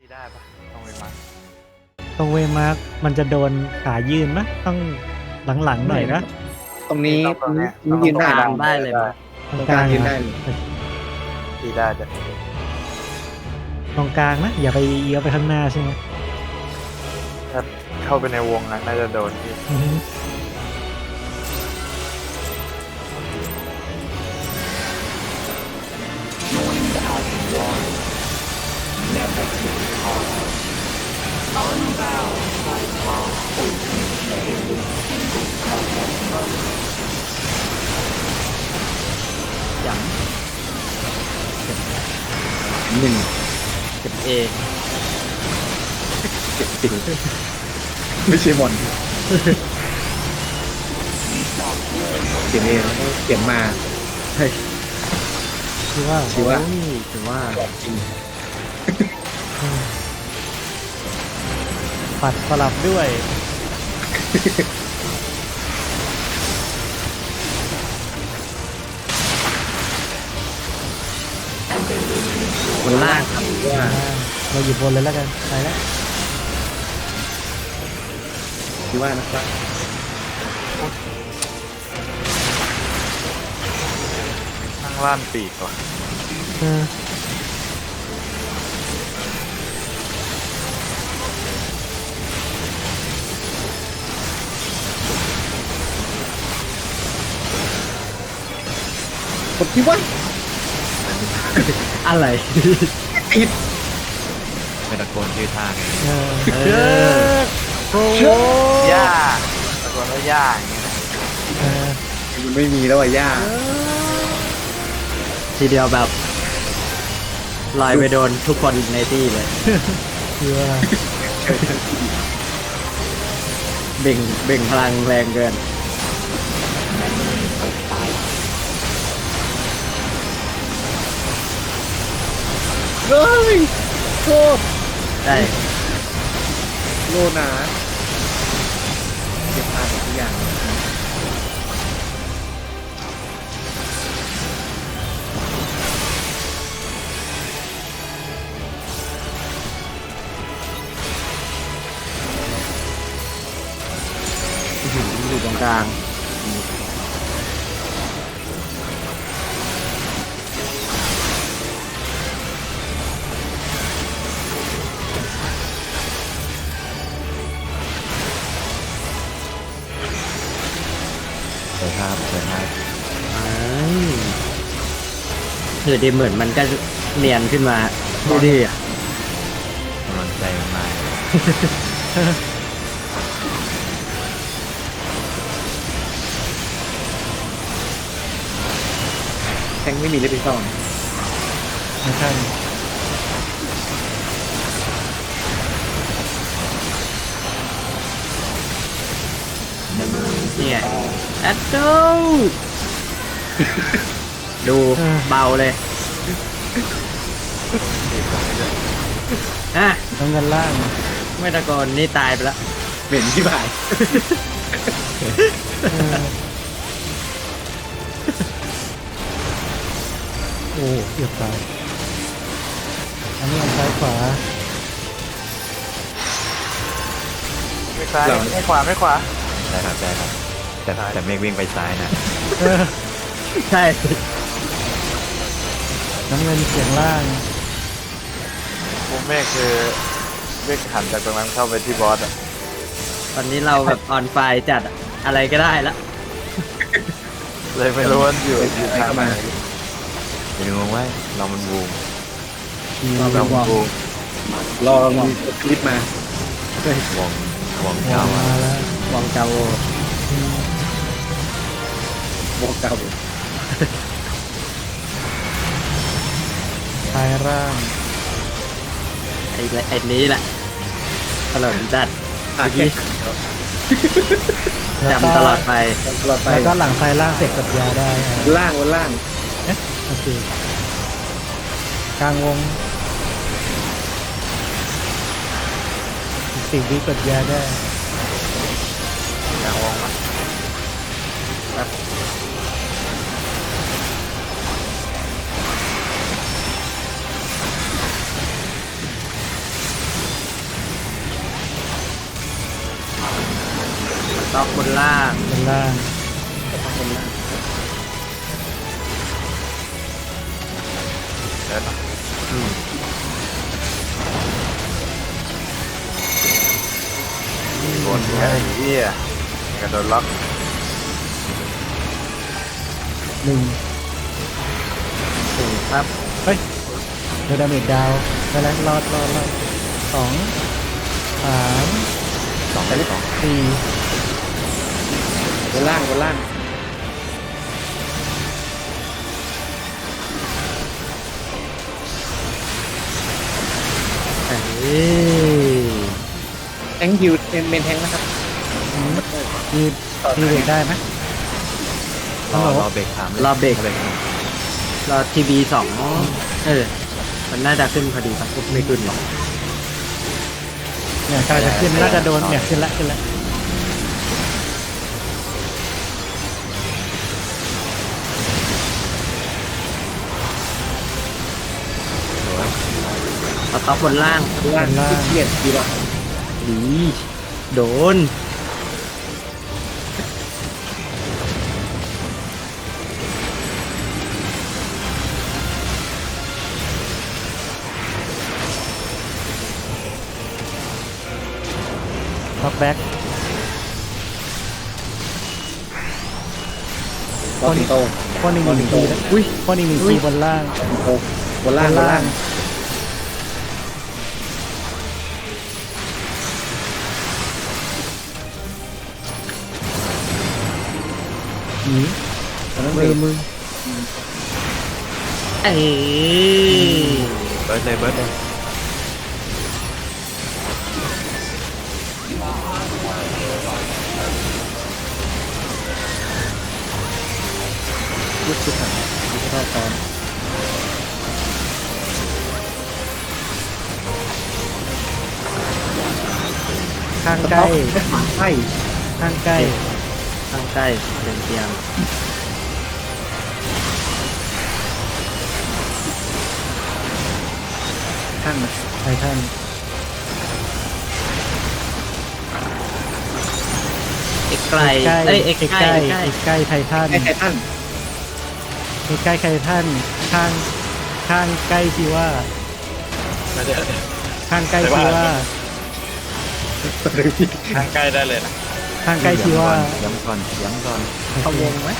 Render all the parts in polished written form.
ได้ปะต้องไปมั้งตรงเวมาร์กมันจะโดนขายืนนะต้องหลังๆหน่อยนะตรงนี้ตรงเนี้ยยืนได้กลางได้เลยมั้ยตรงกลางยืนนะได้เลยตีได้จะตรงกลางนะอย่าไปเอี้ยวไปข้างหน้าใช่ไหมถ้าเข้าไปในวงน่าจะโดนที่อือฮึอย่างหนึ่งเก็บเอเจ็ดสิบไม่ใช่มอนเขียนเองเขียนมาเฮ้ยคือว่าชื่อว่าโอ้ยถือว่าจริงปัดสลับด้วยคนล่างครับว่าเราหยิบบนเลยแล้วกันไปแล้วคิดว่านะครับนั่งล่านปีกว่ะเออผมคิดว่าอะไรผิดไม่ตะโกนชื่อท่าไงเออเออโอ้โหย่าตะโกนว่าย่าอย่างเงี้ยนะเออมันไม่มีแล้วอ่ะย่าทีเดียวแบบลอยไปโดนทุกคนในที่เลยคือว่าเบ่งพลังแรงเกินเฮ้ยโคตรได้โลนาเก็บผ่านทุกอย่างอยู่ตรงกลางเปิดภาพเปิดภาพคือดีเหมือนมันก็เนียนขึ้นมาดูดิอ่ะกำลังใจมันมาแทงไม่มีเลยพี่ซ่องไม่ใช่นี่ไงแอดโดดูเบาเลยอ่ะน้ำเงินล่างไม่ตะโกนนี่ตายไปแล้วเหม็นที่บ่ายเออโอ้เกือบตายอันนี้อันซ้ายขวาไม่ซ้ายไม่ขวาไม่ขวาได้ครับได้ครับแต่เมฆวิ่งไปซ้ายนะเออใช่น้ำเงินเสียงล่างมุมเมฆคือเมฆหันจากตรงนั้นเข้าไปที่บอสอ่ะตอนนี้เราแบบออนไฟจัดอะอะไรก็ได้ละเลยไม่รู้ว่าอยู่ทางไหนอย่าลืมว่าเรามันบูมเราบูรอมีคลิปมาวงวงวาเก่างมาแล้ววองเกาโอบอกเก่าทายร่างไอ้นี้แหละตลอดจัดอ่ะแค่แล้วก็จำตลอดไปตลอดไปแล้วก็หลังทายร่างเสร็จกับยาได้อ่ะล่างบนล่างโอเคกลางวงอีก10 วิกดยาได้กลางวงมั้ยต็อกบนล่างบนล่างเดินอืมบนไอ้เหี้ยกระโดดล็อกหนึ่งถึงครับเฮ้ยเดยวดาเมจดาวไปแล้วรอดสองสามสองสองสี่บนล่างบนล่างเอ้ยแทงฮิวเมนแทงนะครับมีมีเวทได้ไหมรอเบรกถามเลยรอเบรกเบรกรอทีบี2มันน่าจะขึ้นพอดีครับไม่ขึ้นหรอกเนี่ยกำลังจะขึ้นน่าจะโดนเนี่ยขึ้นละสต็อกบนล่างบนล่างที่เกียดดีกว่าดีโดนท็อปแบ็กบอลสิงโตข้อหนึ่งมีทีแล้วอุ้ยข้อหนึ่งมีทีบนล่างสิงโตบนล่างบนล่างหนีมือเอ้ยเบิร์ดเลยเบิร์ดเลยยุดชุดถังยุดเข้าตอนข้างใกล้ใช่ข้างใกล้ข้างใกล้เป็นเตียงข้างนะไททันเอกไกลใกล้เอ้ยเอกเอกใกใกล้ล้เอกใกล้เอกใกล้ไททันไอ้ไททันเอกใกล้ไททันข้างข้างใกล้ที่ว่าน่าจะข้างใกล้ที่ว่าทางใกล้ได้เลยนะข้างใกล้ที่ว่าย้ำก่อนย้ำก่อนเขาวงไหม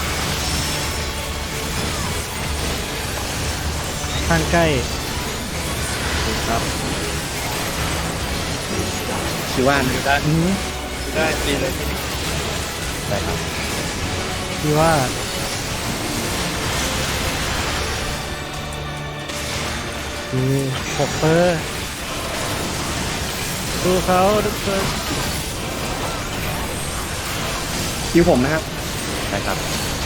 ข้างใกล้ครับชื่อว่าดูได้อือดูได้ดีเลยได้ครับที่ว่าคือ6 เปอร์ดูเขาทุกคนคิวผมนะครับได้ครับ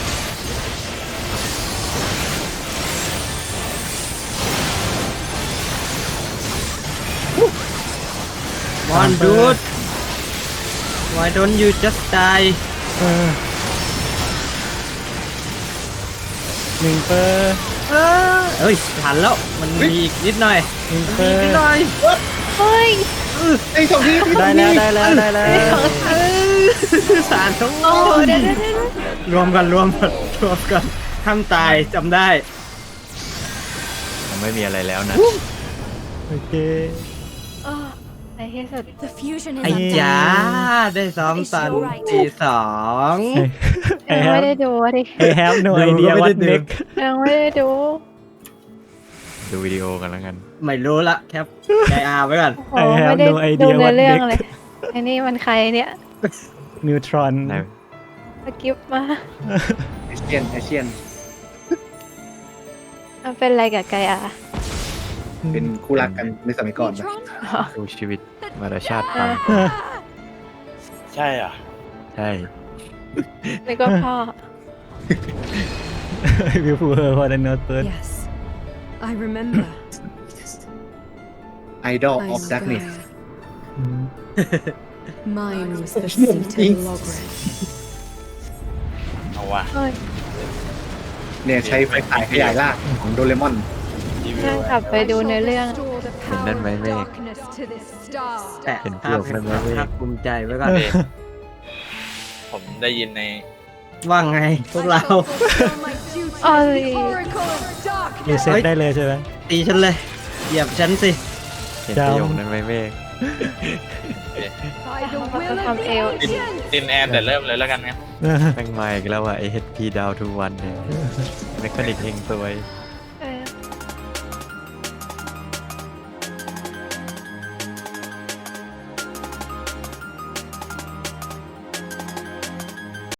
มอนดูด Why don't you just die เออ1 เปอร์เอ้ยทันแล้วมันมีอีกนิดหน่อย 1 เปมีออีกร์นิดหน่อยเฮ้ยไอ้สองทีได้แล้วได้แล้วได้แล้วสารทั้งหมโอ้ดเดี๋ยวรวมกันห้ามตายจำได้ยังไม่มีอะไรแล้วนะโอเคโอ้ในที่สุด The fusion is ไอ้ undone. จ๋าได้ซ้อมตอนตี2 ยังไม่ได้ดูดิ I have no ดู idea ก็ไม่ what ได้ดู next ยังไม่ได้ดูดูวิดีโอกันแล้วกันไม่รู้ละแคปใจอาไว้ก่อนโอ้ไม่ได้ดูในเรื่องเลยไอ้นี่มันใครเนี่ย Neutron ได้สกิปมาไอเชียนมันเป็นอะไรกับไกอาเป็นคู่รักกันในสมัยก่อนปะ Neutron? ดูชีวิตวรชาติฟังใช่อ่ะใช่นี่ก็พ่อวิวฟูเฮอร์พอได้โน้ตเปิด Yes. I remember. ไอดอลอ I อฟ am ดักเนส Gaia. Mine was the seat of Logres. เอาว่ะเฮ้ยเนี่ยใช้ไฟฉายขยายล่างของโดเรมอนรีวิวนั่งกลับไปดูในเรื่อง Restore the เห็น power นั่นไหม of เมฆ darkness to this star. แต่เป็นพภาว พกนั่นไหมเว้ยภาพภูมิใจไว้ก่อนได้ยินในว่าไงพวกเราเอ้ยรีเซ็ตได้เลยใช่ไหมตีฉันเลยเหยียบฉันสิเห็นประโยคนั้นไหมเมฆเขาจะทำเอวตินแอนแต่เริ่มเลยแล้วกันครับแม่งมาอีกแล้วว่ะไอ HP down to 1เนี่ยแมคานิกเฮงซวย